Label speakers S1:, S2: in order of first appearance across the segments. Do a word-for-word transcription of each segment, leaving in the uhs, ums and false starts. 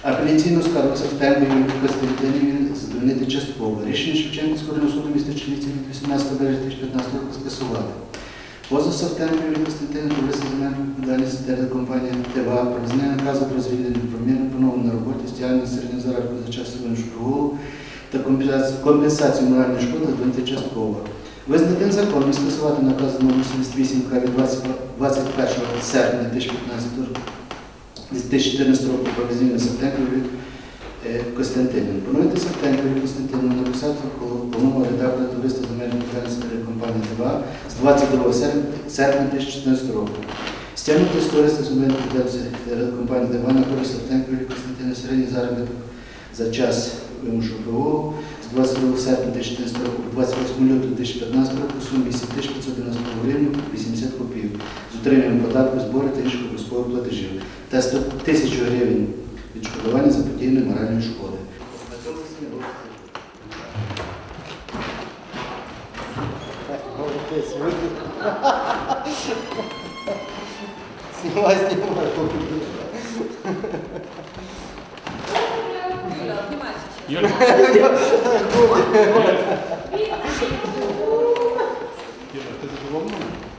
S1: Апеляційну скаргу Савтенко Юлії Костянтинівні задовольнити частково. Рішення Шевченківського районного суду міста Чернівців від вісімнадцятого березня дві тисячі п'ятнадцятого року скасувати. Позов Савтенко Юлії Костянтинівні про висунення відповідальності телекомпанії ТВА про визнання наказу про звільнення промірно поновлення на роботі, стягнення середнього заробітку за час виношого прогулу та компенсацію моральної шкоди задовольнити частково. Визнати незаконним скасувати наказ номер сімдесят вісім від двадцять першого серпня дві тисячі чотирнадцятого року про визнання Савтенко Юлії Костянтинівни. Поновити Савтенко Юлію Костянтинівну на посаду головного редактора товариства земельної відповідальності телекомпанії ТВА з двадцять другого серпня дві тисячі чотирнадцятого року. Стягнути з товариства земельної відповідальності телекомпанії ТВА на користь Савтенко Юлії Костянтинівни середній заробіток за час вимушеного прогулу з двадцять другого серпня дві тисячі чотирнадцятого року по двадцять восьмого лютого дві тисячі п'ятнадцятого року в сумі вісім тисяч п'ятсот дев'яносто гривень вісімдесят копійок з утриманням податку, збору та інших обов'язкових платежів та сто тисяч гривень відшкодування заподіяної моральної шкоди.
S2: Снимай, снимай.
S3: Юля, ти задоволена?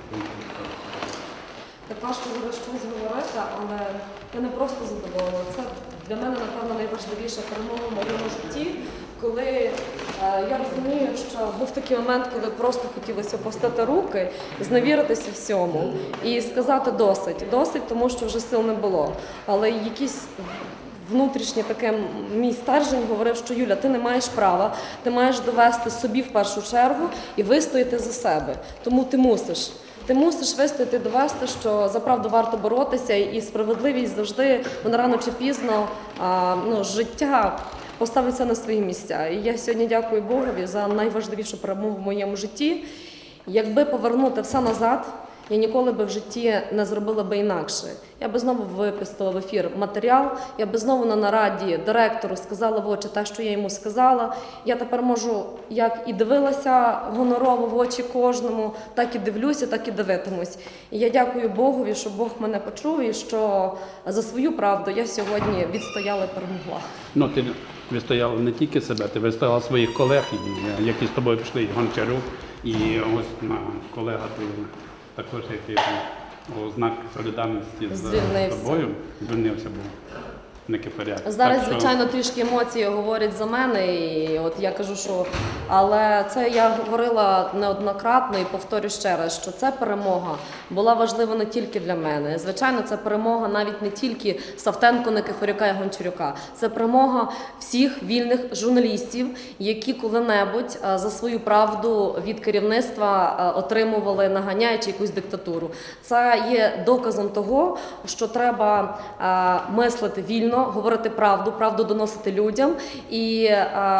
S4: Так важко зараз щось говорити, але я не просто задоволена. Це для мене, напевно, найважливіша перемога в моєму житті, коли е, я розумію, що був такий момент, коли просто хотілося опустити руки, зневіритися всьому і сказати досить. Досить, тому що вже сил не було. Але якісь внутрішнє таке мій стержень говорив, що Юля, ти не маєш права, ти маєш довести собі в першу чергу і вистояти за себе. Тому ти мусиш. Ти мусиш вистояти, довести, що за правду варто боротися, і справедливість завжди, вона рано чи пізно, а, ну, життя поставиться на свої місця. І я сьогодні дякую Богові за найважливішу перемогу в моєму житті. Якби повернути все назад, я ніколи би в житті не зробила би інакше. Я би знову випустила в ефір матеріал, я би знову на нараді директору сказала в очі те, що я йому сказала. Я тепер можу, як і дивилася гонорово в очі кожному, так і дивлюся, так і дивитимусь. І я дякую Богові, що Бог мене почув і що за свою правду я сьогодні відстояла і перемогла.
S3: Ну, ти відстояла не тільки себе, ти відстояла своїх колег, які з тобою пішли, і Гончарук, і ось на колега ти також, який у знак солідарності з
S4: Звільнився.
S3: тобою, звільнився, був не кипаряк.
S4: Зараз,
S3: Так що-
S4: звичайно, трішки емоції говорять за мене, і от я кажу, що... Але це я говорила неоднократно і повторю ще раз, що ця перемога була важлива не тільки для мене. Звичайно, це перемога навіть не тільки Савтенко, Никифорюка і Гончарюка. Це перемога всіх вільних журналістів, які коли-небудь за свою правду від керівництва отримували, наганяючи якусь диктатуру. Це є доказом того, що треба мислити вільно, говорити правду, правду доносити людям і е,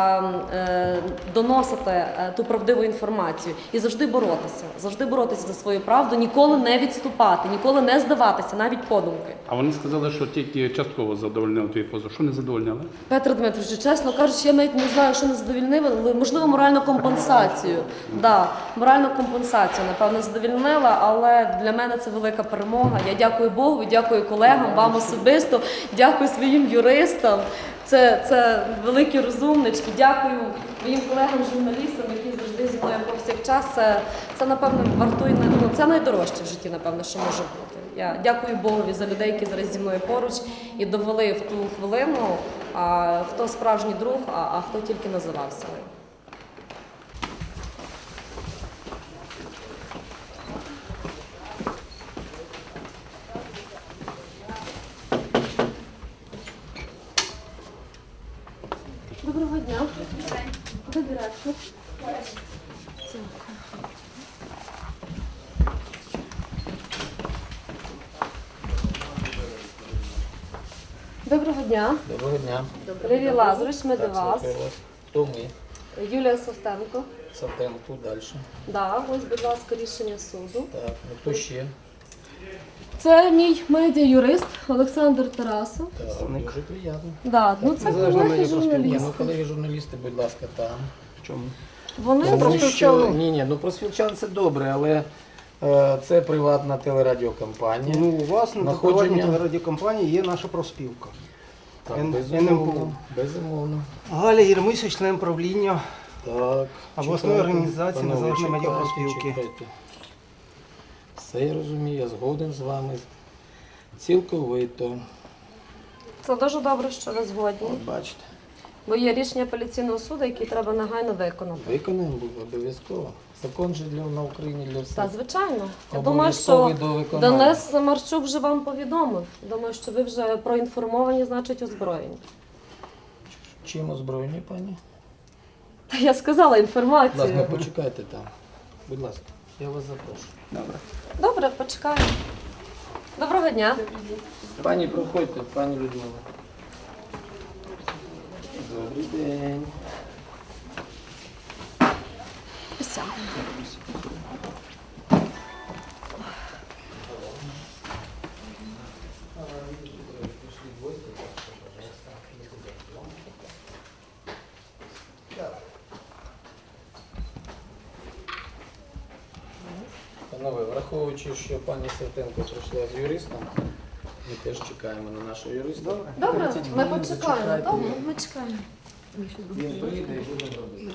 S4: е, доносити е, ту правдиву інформацію. І завжди боротися, завжди боротися за свою правду, ніколи не відступати, ніколи не здаватися, навіть подумки.
S3: А вони сказали, що тільки частково задовольнили твій позов. Що не задовольняли?
S4: Петро Дмитрович, чесно кажучи, я навіть не знаю, що не задовольнили, але, можливо, моральну компенсацію. Да, моральну компенсацію, напевно, задовольнила, але для мене це велика перемога. Я дякую Богу, дякую колегам, вам особисто, дякую своїм юристам. Це, це великі розумнички. Дякую моїм колегам-журналістам, які завжди зі мною повсякчас. Це, це, напевно, вартує, ну, це найдорожче в житті, напевно, що може бути. Я дякую Богові за людей, які зараз зі мною поруч і довели в ту хвилину, а, хто справжній друг, а, а хто тільки називався. Доброго дня. Де директор? Доброго дня.
S2: Доброго дня.
S4: Лілія Лазаревич, ми до вас.
S2: Хто ми?
S4: Юлія Савтенко.
S2: Савтенко, далі.
S4: Да, ось, будь ласка, рішення суду.
S2: Так, ну хто ще?
S4: Це мій медіа-юрист Олександр Тарасов.
S2: Так, дуже приємно.
S4: Да, ну це колеги
S2: Ні,
S4: журналісти.
S2: ну колеги журналісти, будь ласка, там. В чому?
S4: Вони
S2: Тому
S4: просто
S2: що, ні, ні, ну про Свілчан це добре, але е, це приватна телерадіокомпанія.
S5: Ну, у вас на
S2: Находження-
S5: приватній телерадіокомпанії є наша профспілка.
S2: Так,
S5: Н-
S2: безумовно,
S5: НМПУ.
S2: безумовно.
S5: Галя Єрмисович, член правління.
S2: Так,
S5: Обласної
S2: чекайте,
S5: організації
S2: панове,
S5: Незалежної
S2: чекайте,
S5: медіапроспілки.
S2: чекайте. Все я розумію, я згоден з вами. Цілковито.
S4: Це дуже добре, що ви згодні.
S2: От бачите,
S4: Бо є рішення апеляційного суду, які треба негайно виконати.
S2: виконаємо буде обов'язково. Закон же для, на Україні для всіх.
S4: Та, звичайно. Я думаю, що
S2: Обов'язковий до виконання.
S4: Денис Марчук вже вам повідомив. Думаю, що ви вже проінформовані, значить озброєні.
S2: Чим озброєні, пані?
S4: Та я сказала
S2: Будь
S4: інформацію.
S2: ласка, почекайте там. Будь ласка, я вас запрошую. Добре.
S4: Добре, почекаємо. Доброго дня.
S2: Пані, проходьте, пані Людмила. Добрий день.
S4: Присядемо.
S2: Панове, враховуючи, що пані Сертенко прийшла з юристом, ми теж чекаємо на нашого юриста.
S4: Добре,
S2: тридцять
S4: ми
S2: хвилин
S4: почекаємо.
S2: зачекайте.
S4: Добре, ми чекаємо.
S2: Він приїде і буде робити.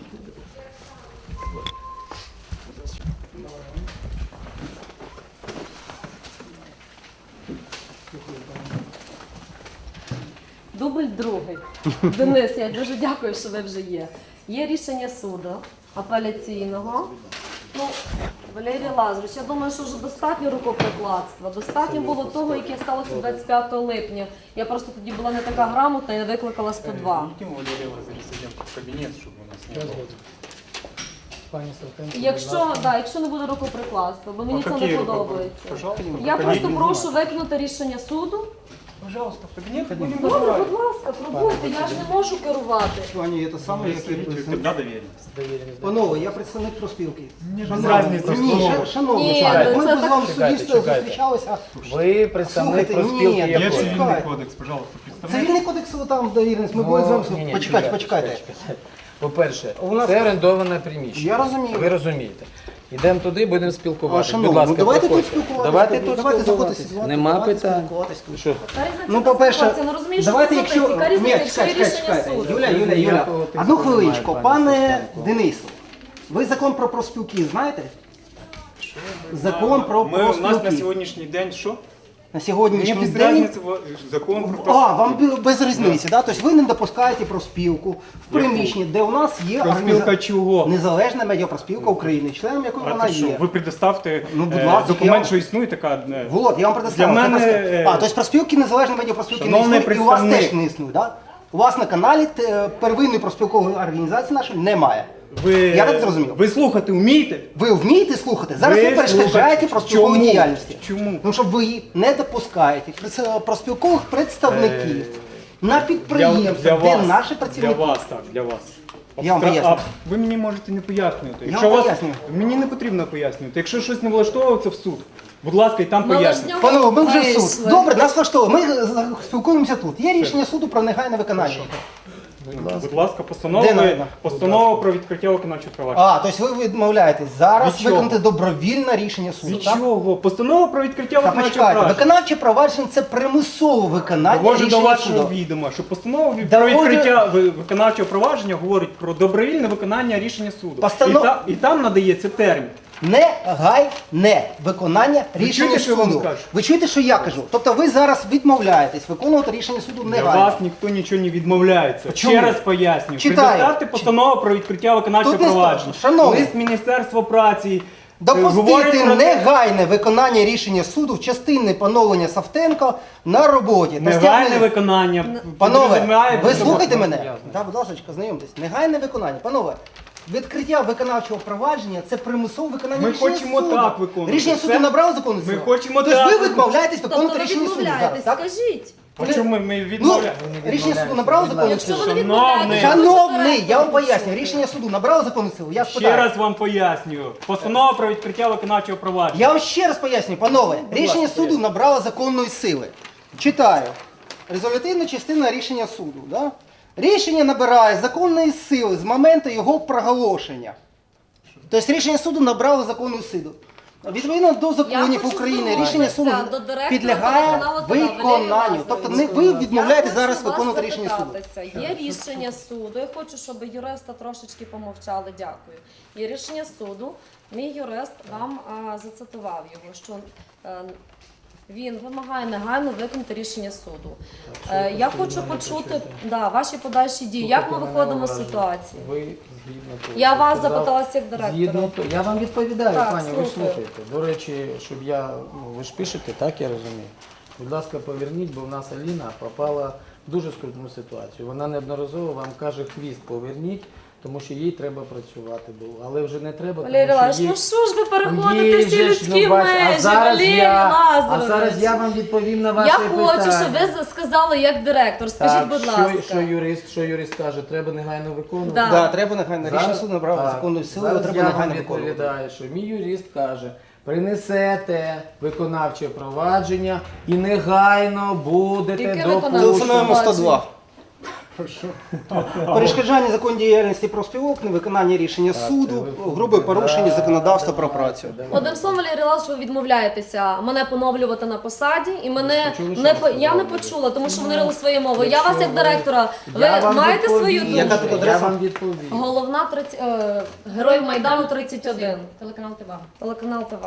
S4: Дубль другий. Денис, я дуже дякую, що ви вже є. Є рішення суду апеляційного. Ну, Валерій Лазарович, я думаю, що вже достатньо рукоприкладства. Достатньо було того, яке сталося двадцять п'ятого липня. Я просто тоді була не така грамотна і не викликала сто два.
S6: Яким Валерій Лазаревич зайдемо в кабінет, щоб у нас не було?
S2: Пані Сертенко,
S4: Якщо, да, якщо не буде рукоприкладства, бо мені
S6: А
S4: це
S6: які
S4: не
S6: руки?
S4: подобається.
S6: Пожалуйста,
S4: Я
S6: в
S4: просто
S6: кабінет
S4: прошу виконати рішення суду.
S6: Пожалуйста, в кабінет будемо
S4: Добре,
S6: розмовляти.
S4: будь ласка, пробуйте, я ж не можу керувати.
S5: Пані, це саме як я представник.
S6: Тогда доверенность.
S2: довіреність.
S5: Панове, я представник профспілки.
S6: Мені ж без
S5: Шановні,
S6: разниці,
S5: ні,
S6: хто.
S5: ша- шановні,
S4: Ні,
S5: пане,
S4: ну
S5: ми
S4: це
S5: б з
S4: так-
S5: вами
S2: Чекайте,
S5: суддівство
S2: чекайте.
S5: зустрічалися.
S2: Ви представник
S5: Слухайте,
S2: профспілки
S5: ні,
S6: Є
S5: я
S2: якої?
S6: цивільний
S5: Чекайте.
S6: кодекс, пожалуйста, представник.
S5: Цивільний кодекс там довіреність, ми
S2: Ну,
S5: були з вами.
S2: ні, ні,
S5: Почекайте,
S2: чекайте,
S5: почекайте.
S2: чекайте. По-перше,
S5: У нас-
S2: це орендоване приміщення.
S5: Я розумію.
S2: Ви розумієте. Йдемо туди, будемо
S5: А,
S2: спілкуватися.
S5: шановні,
S2: Будь ласка,
S5: ну давайте тут
S2: проходьте.
S5: спілкуватися.
S2: Давайте тут
S5: давайте
S2: спілкуватися.
S5: заходити,
S2: Нема
S5: давайте
S2: питань.
S5: спілкуватись тут.
S2: Що?
S4: Та різниця
S5: Ну,
S4: не
S5: по-перше,
S4: ситуація, ну розумієш,
S5: давайте,
S4: що це
S5: якщо...
S4: яка різниця,
S5: Ні,
S4: якщо є
S5: чекайте,
S4: рішення
S5: чекайте.
S4: суду.
S5: Юля, Юля, Юля.
S2: Ніякого тиску
S5: Одну
S2: немає,
S5: хвилиночку.
S2: пані
S5: Пане
S2: Сертенко.
S5: Денису, ви закон про профспілки знаєте? Закон про
S6: Ми, у нас на
S5: профспілки.
S6: сьогоднішній день що?
S5: На
S6: Мені
S5: сьогоднішній
S6: без
S5: день...
S6: різниці во- закон про
S5: А, вам бі- без різниці, да? Тобто ви не допускаєте профспілку в приміщенні, де у нас є
S6: Профспілка
S5: організа-
S6: чого?
S5: Незалежна медіапроспілка України, членом якої
S6: А
S5: вона
S6: ти що,
S5: є.
S6: ви предоставте
S5: Ну, будь
S6: е,
S5: ласка, я
S6: документ,
S5: вам-
S6: що існує така... е,
S5: Вот, я вам предоставив.
S6: Для
S5: Це
S6: мене,
S5: просто-
S6: е,
S5: А, тобто профспілки незалежної медіапроспілки не
S6: шановний
S5: існує, і у вас
S6: представник.
S5: теж не існує, да? У вас на каналі е, первинної профспілкової організації нашої немає.
S6: Ви,
S5: Я так зрозумів.
S6: Ви слухати вмієте?
S5: Ви вмієте слухати? Зараз ви,
S6: Ви
S5: перешкоджаєте
S6: слухайте.
S5: профспілковій
S6: Чому?
S5: діяльності.
S6: Чому?
S5: Ну, щоб ви не допускаєте прес- профспілкових представників на
S6: Для,
S5: підприємствах,
S6: для
S5: де
S6: вас,
S5: наші працівники.
S6: Для вас, так, для вас.
S5: Я вам
S6: Абстра-
S5: поясню.
S6: а ви мені можете не пояснювати.
S5: Я
S6: Якщо
S5: вам
S6: вас,
S5: пояснюю.
S6: мені не потрібно пояснювати. Якщо щось не влаштовується в суд, будь ласка, і там
S4: Ми лиш з
S6: пояснюйте.
S4: нього
S5: Панове, ми вже в
S4: вийшли.
S5: суд. Добре, нас влаштовує. Ми е, спілкуємося тут. Є рішення суду про негайне виконання.
S6: Будь ласка, постанова,
S5: Де надо?
S6: постанова про відкриття виконавчого провадження.
S5: А, тобто ви відмовляєтесь зараз
S6: Від чого?
S5: виконати добровільне рішення суду,
S6: Від
S5: так?
S6: чого? Постанова про відкриття
S5: Та
S6: виконавчого
S5: почекайте,
S6: провадження.
S5: виконавче провадження це примусове виконання
S6: Доводжу до
S5: рішення
S6: вашого
S5: суду.
S6: відома, що постанова від-
S5: Доводжу-
S6: про відкриття ви- виконавчого провадження говорить про добровільне виконання рішення суду.
S5: Постанов-
S6: І, та- і там надається термін.
S5: Негайне виконання
S6: Ви
S5: рішення
S6: чуєте, що я вам
S5: суду.
S6: кажу?
S5: Ви чуєте, що я кажу? Тобто ви зараз відмовляєтесь виконувати рішення суду
S6: Для
S5: негайно.
S6: вас ніхто нічого не відмовляється.
S5: Чому?
S6: Ще раз пояснюю.
S5: Читаю.
S6: Предоставте постанову про відкриття виконавчого
S5: Тут не
S6: провадження.
S5: сто- шановний.
S6: Лист Міністерства праці. е,
S5: Допустити
S6: говорить про те-
S5: негайне виконання рішення суду в частині поновлення Савтенко на роботі. та
S6: негайне
S5: стягнення-
S6: виконання.
S5: Панове,
S6: підразуміває
S5: ви
S6: під собою-
S5: слухайте мене?
S2: Ясно.
S5: Так, будь ласка, знайомтесь. Негайне виконання. Панове, відкриття виконавчого провадження це примусове виконання
S6: Ми
S5: рішення
S6: хочемо
S5: суду.
S6: так виконувати.
S5: Рішення суду
S6: Це-
S5: набрало закону
S6: Ми
S5: силу?
S6: хочемо
S5: Тобто
S6: так
S5: ви відмовляєтесь
S4: Тобто
S5: виконувати
S4: ви
S5: рішення суду зараз,
S4: відмовляєтесь,
S5: так?
S4: скажіть.
S6: А чому ми, ми
S5: Ну,
S6: відмовляємо?
S5: рішення суду набрало закону
S4: Якщо
S5: силу?
S4: ви
S6: Шановний.
S4: відмовляєтесь,
S5: Шановний, я вам поясню, рішення суду набрало закону силу? Я
S6: Ще
S5: спитаю.
S6: раз вам пояснюю. Постанова про відкриття виконавчого провадження.
S5: Я вам ще раз поясню, панове. Рішення
S6: ласка,
S5: суду набрало законної сили. Читаю. Резолютивна частина рішення суду. Да? Рішення набирає законної сили з моменту його проголошення. Тобто рішення суду набрало законну силу. Відповідно до законів
S4: хочу
S5: України рішення суду
S4: звернутися до директора
S5: підлягає
S4: телеканалу ТВ Валерія
S5: виконанню.
S4: Лазарєва.
S5: Тобто не ви відмовляєте
S4: Я
S5: зараз
S4: хочу вас
S5: виконувати рішення суду.
S4: запитатися. Є рішення суду. Я хочу, щоб юриста трошечки помовчали. Дякую. Є рішення суду. Мій юрист вам а, зацитував його, що е, він вимагає негайно виконати рішення суду. Е, я хочу почути да, ваші подальші дії. Як ми виходимо з ситуації?
S2: Ви згідно того,
S4: Я
S2: що
S4: вас
S2: сказав,
S4: запиталася як директора.
S2: Згідно того, я вам відповідаю,
S4: Так,
S2: пані, ви
S4: слухаю.
S2: слухайте. До речі, щоб я, ну, ви ж пишете, так я розумію. Будь ласка, поверніть, бо в нас Аліна попала в дуже скрутну ситуацію. Вона неодноразово вам каже, хвіст поверніть, тому що їй треба працювати було. Але вже не треба,
S4: Валерій
S2: тому
S4: Лазарович,
S2: що їй...
S4: ну що ж ви переходите
S2: Їй
S4: всі
S2: же ж,
S4: людські
S2: ну, бач,
S4: межі,
S2: а зараз
S4: Валерій
S2: я, А
S4: Лазарович?
S2: зараз я вам відповім на ваше
S4: Я
S2: питання.
S4: хочу, щоб ви сказали як директор. Скажіть,
S2: Так,
S4: будь
S2: що,
S4: ласка.
S2: що юрист, що юрист каже, треба негайно виконувати.
S4: Да.
S5: Да, треба негайно рішення
S2: Зараз-
S5: суду набрав
S2: так,
S5: законної сили,
S2: зараз
S5: треба
S2: я вам
S5: негайно виконувати.
S2: відповідаю, що мій юрист каже, принесете виконавче провадження і негайно будете
S4: Яке
S2: допущені.
S5: Телефонуємо сто два. Перешкоджання законній діяльності профспілок, невиконання рішення суду, грубе порушення законодавства про працю.
S4: Одним словом, Валерій Лазарович, ви відмовляєтеся мене поновлювати на посаді, і мене
S2: почули, що
S4: не
S2: я
S4: по- я не
S2: сказала?
S4: почула, тому що вони говорили своєю мовою. Я
S2: Якщо
S4: вас як
S2: ви-
S4: директора, ви
S2: Я вам
S4: маєте свою
S2: відповім.
S4: думку?
S5: Яка тут
S2: Я
S5: адреса?
S2: вам відповім.
S4: Головна тридцять, е, Герой Майдану тридцять один.
S7: Телеканал ТВА.
S4: Телеканал ТВ.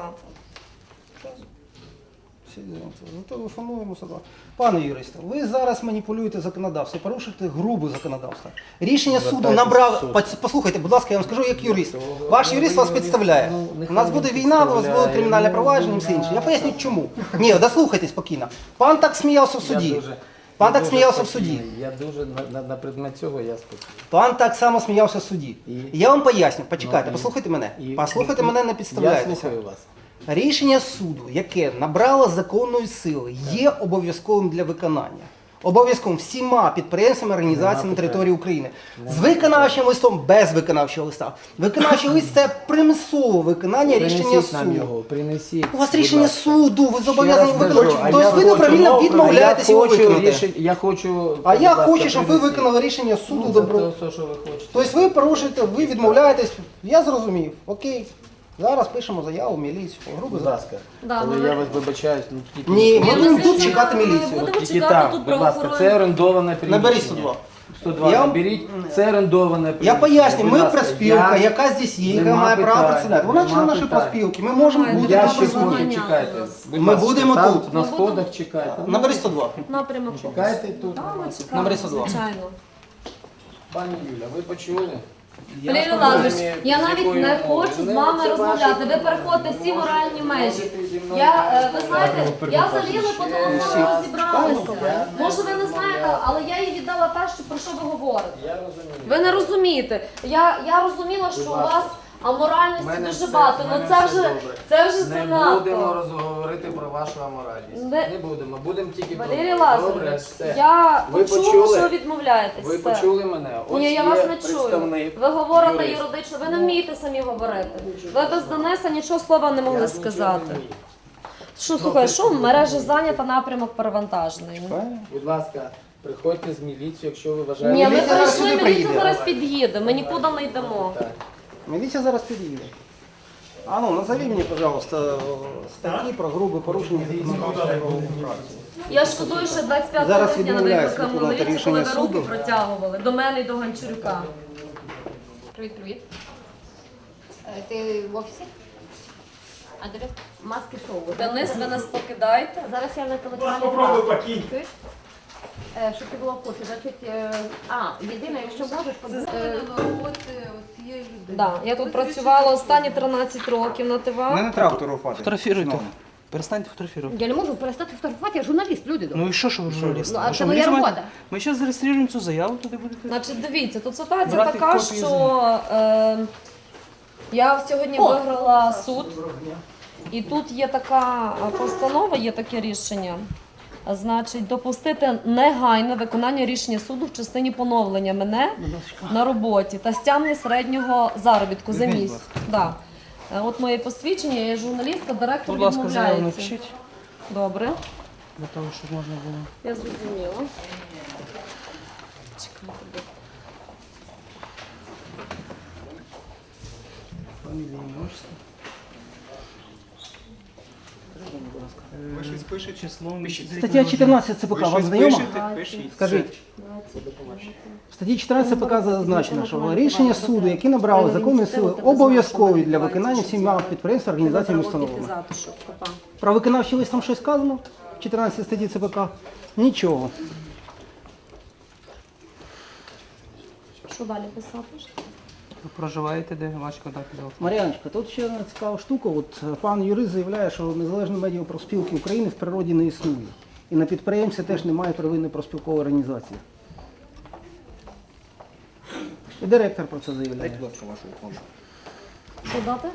S5: Зателефонуємо сюди. Пане юристе, ви зараз маніпулюєте законодавство, порушуєте грубе законодавство. Рішення суду
S2: Звертайтесь в
S5: набрав.
S2: суд.
S5: Пос- Послухайте, будь ласка, я вам скажу як юрист.
S2: Ну,
S5: Ваш
S2: ну,
S5: юрист
S2: ви
S5: вас
S2: юрист,
S5: підставляє.
S2: ну,
S5: У
S2: нехай
S5: нас
S2: він
S5: буде війна, у вас буде
S2: підставляє.
S5: кримінальне
S2: Ну,
S5: провадження і все інше. Я
S2: да.
S5: поясню чому. Ні, дослухайте спокійно. Пан так сміявся в
S2: Я
S5: суді.
S2: дуже-
S5: Пан
S2: я
S5: так
S2: дуже
S5: сміявся в суді.
S2: спокійний. Я дуже на, на, на предмет цього я спокійний.
S5: Пан так само сміявся в суді.
S2: І?
S5: Я вам поясню, почекайте,
S2: Ну, і?
S5: послухайте мене.
S2: І-
S5: Послухайте
S2: і-
S5: мене, не
S2: Я
S5: підставляйтеся.
S2: слухаю вас.
S5: Рішення суду, яке набрало законної сили, є обов'язковим для виконання. Обов'язковим всіма підприємствами, організаціями на території України. З виконавчим листом, без виконавчого листа. Виконавчий лист це примусове виконання рішення
S2: Принесіть нам
S5: суду.
S2: його, принесіть.
S5: У вас
S2: будь
S5: рішення
S2: ласка.
S5: суду, ви зобов'язані
S2: Ще раз
S5: виконати.
S2: кажу, а
S5: Тобто
S2: я
S5: ви
S2: хочу-
S5: добровільно відмовляєтесь
S2: а я
S5: його
S2: хочу
S5: виконати.
S2: рішень- Я хочу...
S5: А я
S2: будь ласка,
S5: хочу, щоб ви
S2: принесіть.
S5: виконали рішення суду
S2: Ну,
S5: добро.
S2: Це все, що ви хочете.
S5: Тобто ви порушуєте, ви відмовляєтесь. Я зрозумів. Окей. Зараз пишемо заяву в міліцію. Грубо
S2: Будь
S5: за-
S2: ласка,
S4: Да,
S2: коли
S4: ми-
S2: я вас вибачаюсь, ну тільки...
S5: Ні,
S2: не
S5: ми
S4: Я
S5: будемо
S4: вас
S5: тут
S4: вітаю.
S5: чекати
S4: Ми
S5: міліцію.
S4: будемо
S2: Тільки
S4: чекати
S2: там,
S4: тут
S2: будь ласка,
S4: правоохоронні.
S2: це орендоване приміщення.
S5: Наберіть сто два.
S2: сто два
S5: Я вам-
S2: наберіть, це орендоване приміщення.
S5: Я поясню,
S2: Будь
S5: ми
S2: ласка,
S5: проспілка,
S2: я-
S5: яка здесь є, яка
S2: Нема
S5: має право
S2: питань,
S5: працювати. Вона
S2: нема
S5: член нашої
S2: питань.
S5: проспілки. Ми можемо
S4: Немає,
S5: бути
S2: Я
S4: Там
S5: тут
S2: ще
S5: присутні.
S2: можу,
S4: заганяли
S2: чекайте.
S4: нас.
S2: Будь
S5: Ми
S2: ласка,
S5: будемо
S2: там
S5: тут.
S2: На
S4: Ми будемо-
S2: сходах чекайте.
S5: Набери сто два.
S4: Напрямок.
S2: Чекайте тут.
S4: Так, ми
S5: Набери
S4: чекаємо,
S5: сто два.
S4: звичайно.
S2: Пані Юля, ви почули?
S4: Валерій
S2: Я
S4: Лазарович,
S2: розумію,
S4: я
S2: з
S4: навіть
S2: якою
S4: не
S2: мовою.
S4: хочу з
S2: Не,
S4: вами
S2: це
S4: розмовляти.
S2: ваші
S4: Ви переходите всі
S2: можете-
S4: моральні межі.
S2: можете зі мною
S4: Я, е, ви
S2: розмовляти.
S4: знаєте, я з Аліною по
S2: Ще
S4: телефону
S2: раз.
S4: розібралася.
S2: Я не
S4: Може, ви не знаєте,
S2: розмовляю.
S4: але я їй віддала те, що про що ви говорите.
S2: Я розумію.
S4: Ви не розумієте. Я, я розуміла, що
S2: Будь
S4: у
S2: ласка.
S4: вас аморальності
S2: В мене
S4: дуже
S2: все-
S4: багато.
S2: в
S4: Ну
S2: мене
S4: це
S2: все
S4: вже
S2: добре.
S4: це вже
S2: Не будемо
S4: занадто.
S2: розговорити про вашу аморальність.
S4: Не-
S2: Не будемо, будемо тільки про
S4: Валерій
S2: добре,
S4: Лазарович,
S2: все.
S4: я
S2: Ви
S4: почула,
S2: почули?
S4: що ви відмовляєтесь.
S2: Ви
S4: Все.
S2: почули мене? Ось
S4: Ні, я
S2: є
S4: вас не чую.
S2: представник,
S4: Ви говорите
S2: юрист.
S4: юридично, ви не вмієте самі говорити. Ви без Дениса нічого слова не
S2: Я
S4: могли
S2: нічого не
S4: сказати.
S2: вмію.
S4: Що, слухай, що мережа зайнята, напрямок перевантажений.
S2: Будь ласка, приходьте з міліцією, якщо ви вважаєте.
S4: Ні, ми
S5: Міліція зараз
S4: прийшли,
S5: сюди
S4: міліція
S5: приїде.
S4: зараз під'їде, ми нікуди не йдемо.
S2: Так.
S5: Міліція зараз під'їде. А ну, назови мені, пожалуйста, статті про грубе порушення законодавства про працю.
S4: Я шкодую, що двадцять п'ятого
S5: Зараз
S4: липня не
S5: відмовляюсь
S4: викликали
S5: виконувати
S4: міліцію, коли ви
S5: рішення
S4: руки
S5: суду.
S4: протягували до мене і до Гончарюка.
S7: Привіт, привіт. Е, Ти в офісі? Адрес? Маски шоу.
S4: Денис, ви нас покидаєте?
S7: Зараз я на телеканалі. Попробуй покинь. Щоб ти була в курсі. Значить, е, а, єдине, якщо можеш, подивитися.
S4: Да, я тут працювала останні тринадцять років на ТВА.
S5: Не треба фотографувати.
S8: Фотографируйте. Перестаньте фотографировать.
S7: Я не можу перестати фотографувати, я журналіст, люди добрі.
S8: Ну і що, що ви журналіст?
S7: Ну, а
S8: Ви
S7: це
S8: що,
S7: моя
S8: міліція
S7: робота.
S8: має? Ми зараз зареєструємо цю заяву, туди будете.
S4: Значить, дивіться, тут ситуація
S8: Брати
S4: така,
S8: копії
S4: що е, я сьогодні
S7: О!
S4: виграла суд, і тут є така е, постанова, є таке рішення. Значить, допустити негайне виконання рішення суду в частині поновлення мене на роботі та стягнення середнього заробітку за
S8: Візьміть,
S4: місяць. Да. Е, От моє посвідчення, я є журналістка, директор
S8: Будь ласка, заяву
S4: відмовляється.
S8: напишіть,
S4: Добре,
S8: для того, щоб можна було.
S4: я зрозуміла. Чекайте, будь
S8: Фамілія, ім'я, отчество.
S6: Пише
S8: Числом.
S5: Стаття чотирнадцять ЦПК вам знайома?
S6: Пишіть.
S5: Скажіть. В статті чотирнадцять ЦПК зазначено, що рішення суду, які набрали законної сили, обов'язкові для виконання всіма підприємствами, організаціями, установами. Про виконавчий лист там щось сказано? В чотирнадцятій статті ЦПК? Нічого.
S4: Що далі писати?
S8: Ви проживаєте, де ваші контакти телефону?
S5: Мар'яночка, тут ще одна цікава штука. От пан юрист заявляє, що Незалежної медіапроспілки України в природі не існує. І на підприємстві теж немає первинної профспілкової організації. І директор про це заявляє.
S4: Що дати?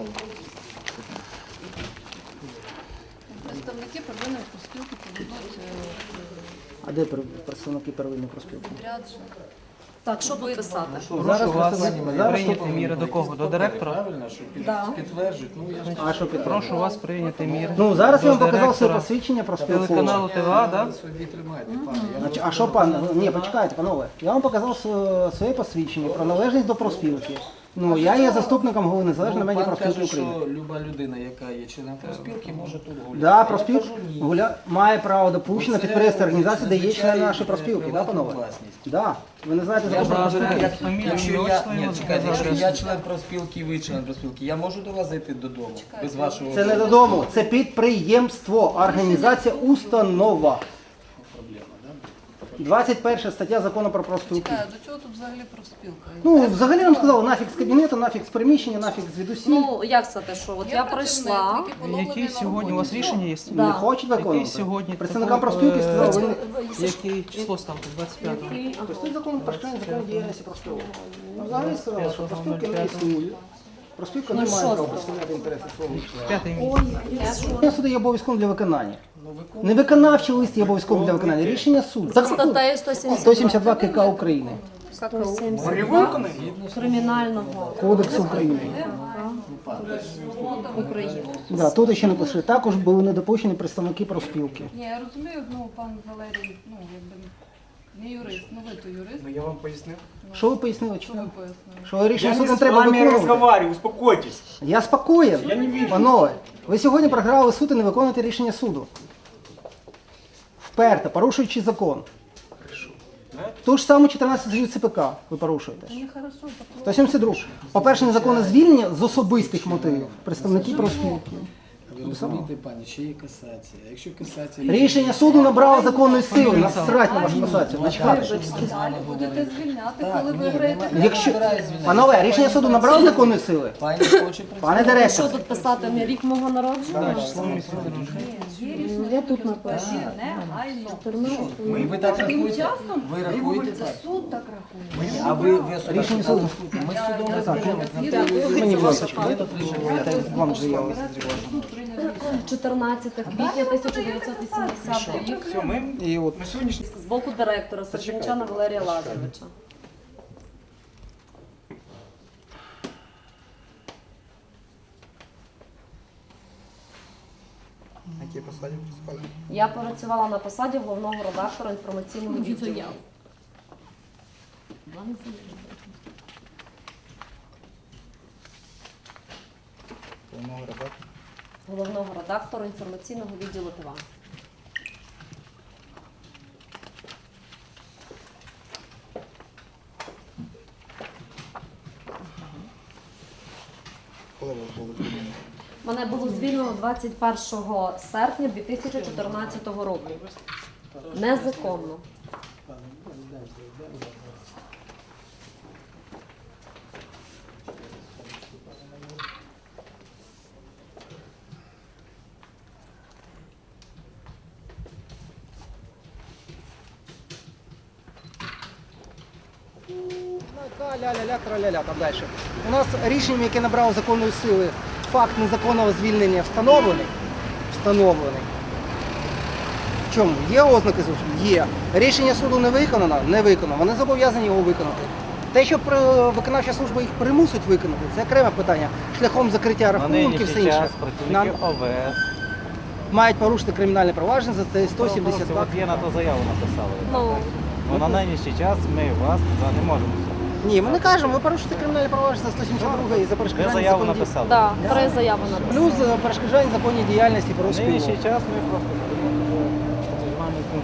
S7: Представники первинної профспілки поведуть
S5: А де пер- представники первинної профспілки?
S7: підряд.
S4: Так, що тут писати?
S8: Прошу
S5: Зараз
S8: вас
S5: представник- зараз
S8: прийняти
S5: тут-
S8: міри до кого? До директора?
S2: Правильно, що під-
S4: Да.
S2: підтверджують. Ну, я ж
S5: А що підтримує?
S8: Прошу вас прийняти міри.
S5: Ну, зараз я вам
S8: до
S5: показав своє
S8: директора
S5: посвідчення про
S8: телеканалу
S5: спілкування.
S8: ТВА, да?
S2: собі тримайте, пане. Я
S5: Значить,
S2: можу
S5: а що пан? Ні, почекайте, панове. Я вам показав своє- своє посвідчення про належність до профспілки. Ну, я є заступником голови Незалежної
S2: Ну, пан
S5: медіапроспілки
S2: каже,
S5: України.
S2: що люба людина, яка є членом профспілки, може тут гуляти.
S5: Да,
S2: Я
S5: профспілка
S2: кажу, ні.
S5: гуля... має право допущення
S2: Це
S5: підприємства організації, де є члени
S2: зазвичай
S5: нашої профспілки, да,
S2: приватна
S5: панове?
S2: власність.
S5: Да. Ви не знаєте
S2: Я
S5: закон про
S2: можу,
S5: профспілки?
S8: як фамілію,
S2: якщо
S8: ім'я,
S2: я,
S8: отчество,
S2: ні,
S8: його
S2: чекайте,
S8: адресу.
S2: якщо я член профспілки, ви член профспілки, я можу до вас зайти додому без вашого
S5: Це не додому, це підприємство, організація, установа. двадцять перша стаття закону про профспілки.
S7: До чого тут взагалі профспілка?
S5: Ну, взагалі нам сказали, нафіг з кабінету, нафіг з приміщення, нафіг звідусіль.
S4: Ну, як це те, що? От я прийшла.
S8: Які сьогодні у вас рішення є?
S4: Да.
S5: Не хочуть
S8: Які
S5: виконувати.
S8: сьогодні?
S5: Представникам
S8: такого,
S5: профспілки
S8: е,
S5: сказали, ви не...
S8: Яке число ставте? двадцять п'ятого.
S5: Тобто тут закон про закону діяльності профспілки. Ну, взагалі сказали, що профспілки не існує. Профспілка не має права представляти інтереси свого члена.
S8: П'ятий місяць.
S5: Рішення суду є обов'язковим для виконання. Не виконавчий лист є обов'язковим для виконання. Рішення суду.
S4: За статтею сто
S5: сто сімдесят два КК України.
S4: Кримінального
S5: Кодексу України.
S4: України.
S5: Да, тут ще написали. Також були недопущені представники профспілки.
S7: Ні, я розумію, ну, пан Валерій, ну, якби не юрист, ну ви то юрист,
S6: Ну я вам пояснив.
S5: Що ви пояснили?
S7: що ви пояснили?
S5: Що рішення
S6: Я
S5: суду
S6: не
S5: не
S6: с
S5: треба
S6: вами
S5: виконувати?
S6: разговариваю, успокойтесь.
S5: Я спокоєн.
S6: Я не вижу.
S5: Панове, ви сьогодні програли суд і не виконуєте рішення суду. Вперто, порушуючи закон. Ту ж саму чотирнадцяту статтю ЦПК ви порушуєте. сто сімдесят два. По-перше, незаконне звільнення з особистих мотивів представників профспілки.
S2: Ви розумієте, пані, ще є касація. Якщо касація...
S5: Рішення суду набрало законної сили. Насрать на вашу касацію. Начхати.
S7: Далі будете звільняти,
S2: Так,
S7: коли
S2: ні,
S7: виграєте.
S2: нема-
S5: Якщо...
S2: я не збираюсь звільняти.
S5: Панове, рішення суду набрало законної сили?
S2: Пані хоче працювати.
S5: Пане
S4: Що
S5: директор,
S4: тут писати? Мій рік мого народження? Я тут напишу.
S2: Ми, ви так рахуєте? Ви рахуєте так?
S7: Суд так рахує.
S2: А ви, ви особисто
S5: Рішення суду.
S2: Ми з судом розберемося.
S5: Мені, будь ласка, я вам заяву.
S4: чотирнадцяте квітня тисяча дев'ятсот вісімдесятого рік.
S6: Все, ми
S5: І от
S6: на сьогоднішній
S4: З боку директора Сержанчана Валерія Лазаревича. Я працювала на посаді головного редактора інформаційного відділу. Головного редактора інформаційного відділу ТВА. Мене було звільнено двадцять першого серпня дві тисячі чотирнадцятого року. Незаконно.
S5: ля-ля-ля, тра-ля-ля, там далі. У нас рішенням, яке набрало законної сили, факт незаконного звільнення встановлений. Встановлений. В чому? Є ознаки злочину? Є. Рішення суду не виконано? Не виконано. Вони зобов'язані його виконати. Те, що при- виконавча служба їх примусить виконати, це окреме питання. Шляхом закриття рахунків, все інше. Нам
S9: ОВС.
S5: мають порушити кримінальне провадження за це сто сімдесят два.
S9: От є на то заяву написали.
S4: Ну,
S9: Бо на нинішній час ми вас туди не можемо.
S5: Ні, ми не кажемо, ви порушите кримінальне провадження за сто сімдесят два і за
S9: Ви
S5: перешкоджання
S9: заяву
S5: законній-
S9: написали.
S4: да, три заяви написали.
S5: Плюс за перешкоджання законній діяльності
S9: На
S5: профспілок.
S9: нинішній час ми просто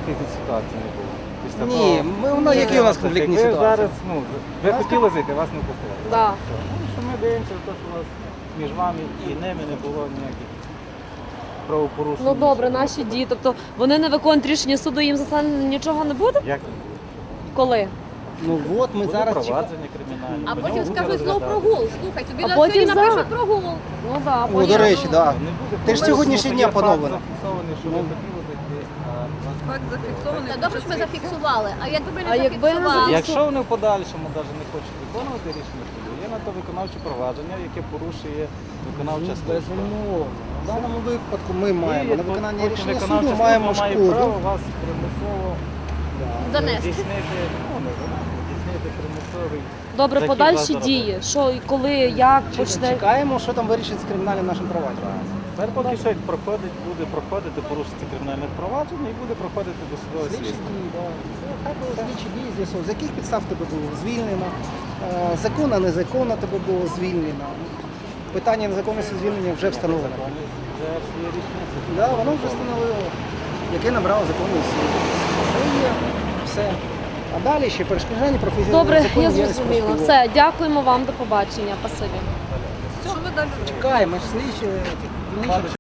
S9: конфліктної ситуації не було. Після
S5: Ні,
S9: того-
S5: ми, ну, які у нас конфліктні
S9: ви
S5: ситуації?
S9: зараз, ну, ви хотіли зайти, вас не пустили.
S4: Да.
S9: Ну, що ми дивимося, то, що у вас між вами і ними не було ніяких правопорушень.
S4: Ну добре, наші дії. Тобто вони не виконують рішення суду, їм за це нічого не буде?
S9: Як
S4: Коли?
S5: Ну от ми
S9: буде
S5: зараз чекаємо.
S9: провадження кримінальне.
S7: А
S9: по
S7: потім
S9: ньому буде
S7: скажуть знову
S9: розглядатися.
S7: прогул. Слухай, тобі
S4: А
S7: на
S4: потім
S7: сьогодні
S4: за.
S7: напишуть прогул.
S4: Ну да,
S5: О,
S4: потім-
S5: до речі, так. Да.
S9: Не буде
S5: Ти ж
S9: проблем,
S5: сьогоднішній
S9: тому
S5: дня
S9: що є
S5: поновлено.
S9: факт зафіксований, що ви хотіли зайти, а вас
S7: Факт зафіксований. Та добре, що ми зафіксували. А якби ми
S4: А
S7: не
S4: якби не
S7: зафіксували?
S9: Якщо вони в подальшому навіть не хочуть виконувати рішення суду, є на то виконавче провадження, яке порушує виконавча служба.
S5: Безумовно. В даному випадку ми маємо
S9: І
S5: на виконання
S9: потім
S5: рішення
S9: виконавча
S5: суду
S9: служба
S5: маємо
S9: має
S5: шкоду.
S9: право вас примусово
S7: Занести.
S9: здійснити, ну не занести, здійснити примусовий.
S4: Добре,
S9: захід
S4: подальші
S9: вас
S4: дії. Що і коли, як почне.
S5: Чекаємо, що там вирішить з кримінальним нашим провадженням.
S9: Тепер поки що проходить, буде проходити порушиться кримінальне провадження і буде проходити досудове
S5: Слідчі
S9: слідство.
S5: дії, да. Це хай би слідчі дії з'ясовують, з яких підстав тебе було звільнено, е, законно, незаконно тебе було звільнено. Питання незаконності звільнення вже встановлено.
S9: Вже є рішення суду.
S5: Да, воно вже встановило, яке набрало законної сили. Це є все. А далі ще перешкоджання професійного
S4: Добре,
S5: закону
S4: я
S5: діяльності
S4: зрозуміла.
S5: профспілок.
S4: Все, дякуємо вам, до побачення. Спасибі.
S5: Чекаємо, ж слідчі.